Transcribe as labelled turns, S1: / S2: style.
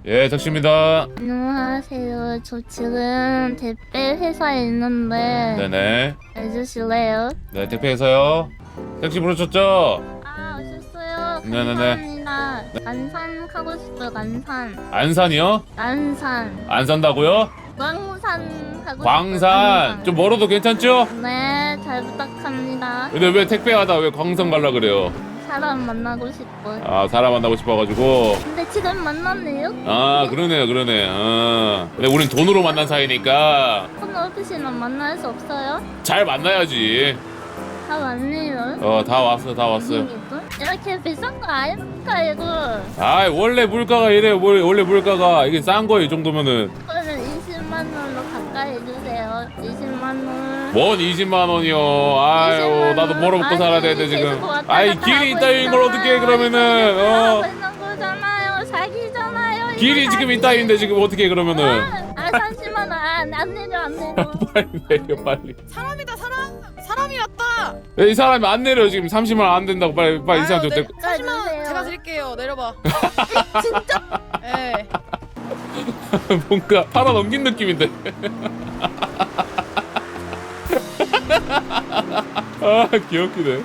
S1: 예, 택시입니다.
S2: 안녕하세요. 저 지금 택배 회사에 있는데
S1: 네네.
S2: 해주실래요?
S1: 네, 택배에서요. 택시 부르셨죠?
S2: 아, 오셨어요.
S1: 네네네.
S2: 감사합니다. 안산 가고 싶어요. 안산.
S1: 안산이요?
S2: 안산.
S1: 안 산다고요?
S2: 광산 가고
S1: 광산.
S2: 싶어요.
S1: 좀 멀어도 괜찮죠?
S2: 네, 잘 부탁합니다.
S1: 근데 왜 택배하다 왜 광산 갈라 그래요?
S2: 사람 만나고 싶어요.
S1: 아, 사람 만나고 싶어가지고.
S2: 근데 지금 만났네요?
S1: 아, 그러네. 근데 우린 돈으로 만난 사이니까
S2: 폰 없으시면 만날 수 없어요?
S1: 잘 만나야지.
S2: 다 왔네요.
S1: 다 왔어요.
S2: 이렇게 비싼 거 아닙니까 이거?
S1: 아, 원래 물가가 이래요. 원래 물가가 이게 싼 거예요, 이 정도면은.
S2: 그러면 20만 원으로 가까이 해주세요. 20만 원.
S1: 뭔 20만 원이요. 아유,
S2: 20만 원.
S1: 나도 벌어먹고
S2: 아니,
S1: 살아야 되는데 지금.
S2: 계속 왔다
S1: 아이,
S2: 갔다
S1: 길이
S2: 하고
S1: 있다인 걸 어떻게 해,
S2: 있잖아요.
S1: 그러면은.
S2: 하고 있는 거잖아요. 사기잖아요. 이거
S1: 길이 지금
S2: 사기.
S1: 있다인데 지금 어떻게 해, 그러면은.
S2: 30만 원. 안 내려 안 내려.
S1: 빨리 내려, 빨리.
S3: 사람이다 사람이 왔다.
S1: 이 사람이 안 내려, 지금 30만 원 안 된다고. 빨리 이 사람 좀
S3: 네,
S1: 데리고.
S3: 30만
S2: 주세요.
S3: 제가 드릴게요. 내려봐.
S2: 진짜?
S3: 예.
S1: 뭔가 팔아 넘긴 느낌인데. 아, 귀엽기네.